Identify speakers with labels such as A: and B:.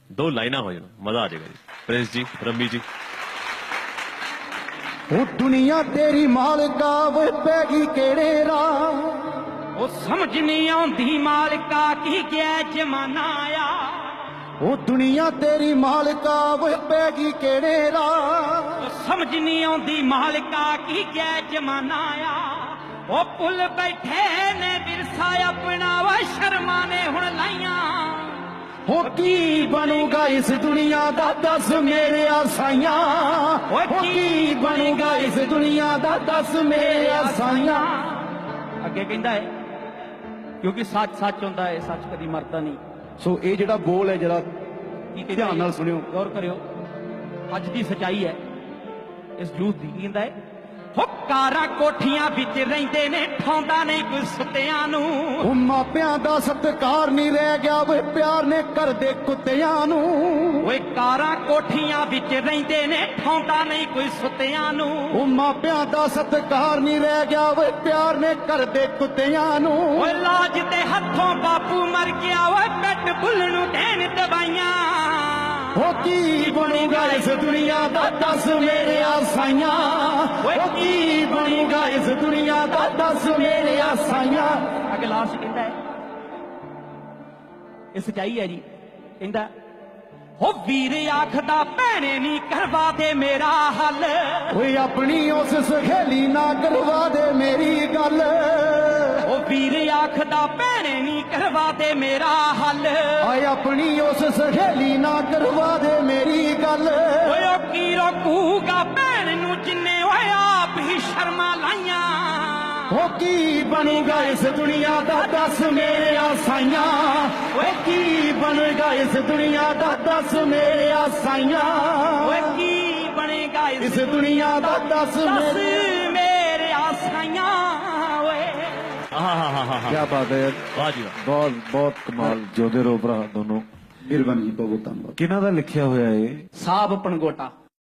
A: दो लाइना हो जाए मजा आ जाएगा जी। प्रिंस जी, रम्मी जी।
B: ਉਹ ਦੁਨੀਆ ਤੇਰੀ ਮਾਲਕਾ ਵੇ ਪੈਗੀ ਕਿਹੜੇ ਰਾਹ
C: ਉਹ ਸਮਝ ਨਹੀਂ ਆਉਂਦੀ ਮਾਲਕਾ ਕੀ ਗਿਆ ਜਮਾਨਾ ਆ
B: ਉਹ ਦੁਨੀਆ ਤੇਰੀ ਮਾਲਕਾ ਵੇ ਪੈਗੀ ਕਿਹੜੇ ਰਾਹ
C: ਉਹ ਸਮਝ ਨਹੀਂ ਆਉਂਦੀ ਮਾਲਕਾ ਕੀ ਗਿਆ ਜਮਾਨਾ ਆ ਉਹ ਪੁੱਲ ਬੈਠੇ ਨੇ ਵਿਰਸਾ ਆਪਣਾ ਵਾ ਸ਼ਰਮਾਂ ਨੇ ਹੁਣ ਲਾਈਆਂ
B: ਹੋ ਕੀ ਬਣੂਗਾ ਇਸ ਦੁਨੀਆ ਦਾ ਦੱਸ ਮੇਰੇ ਸਾਈਆਂ ਹੋ ਕੀ ਬਣੂਗਾ ਇਸ ਦੁਨੀਆ ਦਾ ਦੱਸ ਮੇਰੇ ਸਾਈਆਂ
C: ਅੱਗੇ ਕਹਿੰਦਾ ਹੈ ਕਿਉਂਕਿ ਸੱਚ ਸੱਚ ਹੁੰਦਾ ਹੈ ਸੱਚ ਕਦੀ ਮਰਦਾ ਨਹੀਂ
B: ਸੋ ਇਹ ਜਿਹੜਾ ਬੋਲ ਹੈ ਜਰਾ
C: ਕੀ ਕਹਿੰਦਾ
B: ਧਿਆਨ ਨਾਲ ਸੁਣਿਓ
C: ਗੌਰ ਕਰਿਓ ਅੱਜ ਦੀ ਸਚਾਈ ਹੈ ਇਸ ਯੂਥ ਦੀ ਕਹਿੰਦਾ ਹੈ ਹੋ ਕਾਰਾਂ ਕੋਠੀਆਂ ਵਿੱਚ ਰਹਿੰਦੇ ਨੇ ਠਾਉਂਦਾ ਨਹੀਂ ਕੋਈ ਸੁੱਤਿਆਂ ਨੂੰ
B: ਉਹ ਮਾਪਿਆਂ ਦਾ ਸਤਿਕਾਰ ਨਹੀਂ ਰਹਿ ਗਿਆ ਵੇ ਪਿਆਰ ਨੇ ਕਰਦੇ ਕੁੱਤਿਆਂ ਨੂੰ
C: ਓਏ ਕਾਰਾਂ ਕੋਠੀਆਂ ਵਿੱਚ ਰਹਿੰਦੇ ਨੇ ਠਾਉਂਦਾ ਨਹੀਂ ਕੋਈ ਸੁੱਤਿਆਂ ਨੂੰ
B: ਉਹ ਮਾਪਿਆਂ ਦਾ ਸਤਿਕਾਰ ਨਹੀਂ ਰਹਿ ਗਿਆ ਵੇ ਪਿਆਰ ਨੇ ਕਰਦੇ ਕੁੱਤਿਆਂ ਨੂੰ
C: ਓਏ ਲਾਜ ਦੇ ਹੱਥੋਂ ਬਾਪੂ ਮਰ ਗਿਆ ਓਏ ਪੈਟ ਬੁੱਲ ਨੂੰ ਦੇਣ ਦਵਾਈਆਂ
B: ਹੋ ਕੀ ਬਣੂਗਾ ਇਸ ਦੁਨੀਆ ਦਾ ਦੱਸ ਮੇਰੇ ਸਾਈਆਂ ਹੋ ਕੀ ਬਣੂਗਾ ਇਸ ਦੁਨੀਆ ਦਾ ਦੱਸ ਮੇਰੇ ਸਾਈਆਂ
C: ਅੱਗੇ ਲਾਸਟ ਕਹਿੰਦਾ ਹੈ ਇਹ ਸਚਾਈ ਹੈ ਜੀ ਕਹਿੰਦਾ ਹੋ ਵੀਰ ਆਖਦਾ ਭੈਣੇ ਨਹੀਂ ਕਰਵਾ ਦੇ ਮੇਰਾ ਹੱਲ
B: ਓਏ ਆਪਣੀ ਉਸ ਸਹੇਲੀ ਨਾ ਕਰਵਾ ਦੇ ਮੇਰੀ ਗੱਲ
C: ਉਹ ਵੀਰ ਆਖਦਾ ਭੈਣੇ ਨਹੀਂ ਕਰਵਾ ਦੇ ਮੇਰਾ ਹੱਲ
B: ਓਏ ਆਪਣੀ ਉਸ ਸਹੇਲੀ ਨਾ ਕਰਵਾ ਦੇ ਮੇਰੀ ਗੱਲ
C: ਓਏ ਉਹ ਕੀ ਰੋਕੂਗਾ ਭੈਣ ਨੂੰ ਜਿੰਨੇ ਓਏ ਆਪ ਹੀ ਸ਼ਰਮਾਂ ਲਾਈਆਂ
B: ਹੋ ਕੀ ਬਣੂਗਾ ਇਸ ਦੁਨੀਆ ਦਾ ਦੱਸ ਮੇਰੇ ਸਾਈਆਂ ਓਏ ਕੀ ਬਣੇਗਾ ਇਸ ਦੁਨੀਆ ਦਾ ਦੱਸ ਮੇਰੇ ਸਾਈਆਂ
C: ਓਏ ਕੀ ਬਣੇਗਾ
B: ਇਸ ਦੁਨੀਆ ਦਾ ਦੱਸ
C: ਮੇਰੇ ਆਸਾਈਆਂ ਓਏ
B: क्या बात है यार
A: वाह जी वाह।
B: बहुत बहुत कमाल जोधे रो भरा दोनों मिहरबानी जी बहुत बहुत धन्यवाद किन्हां दा लिखिया होया है
C: ਸਾਬ ਪਣਗੋਟਾ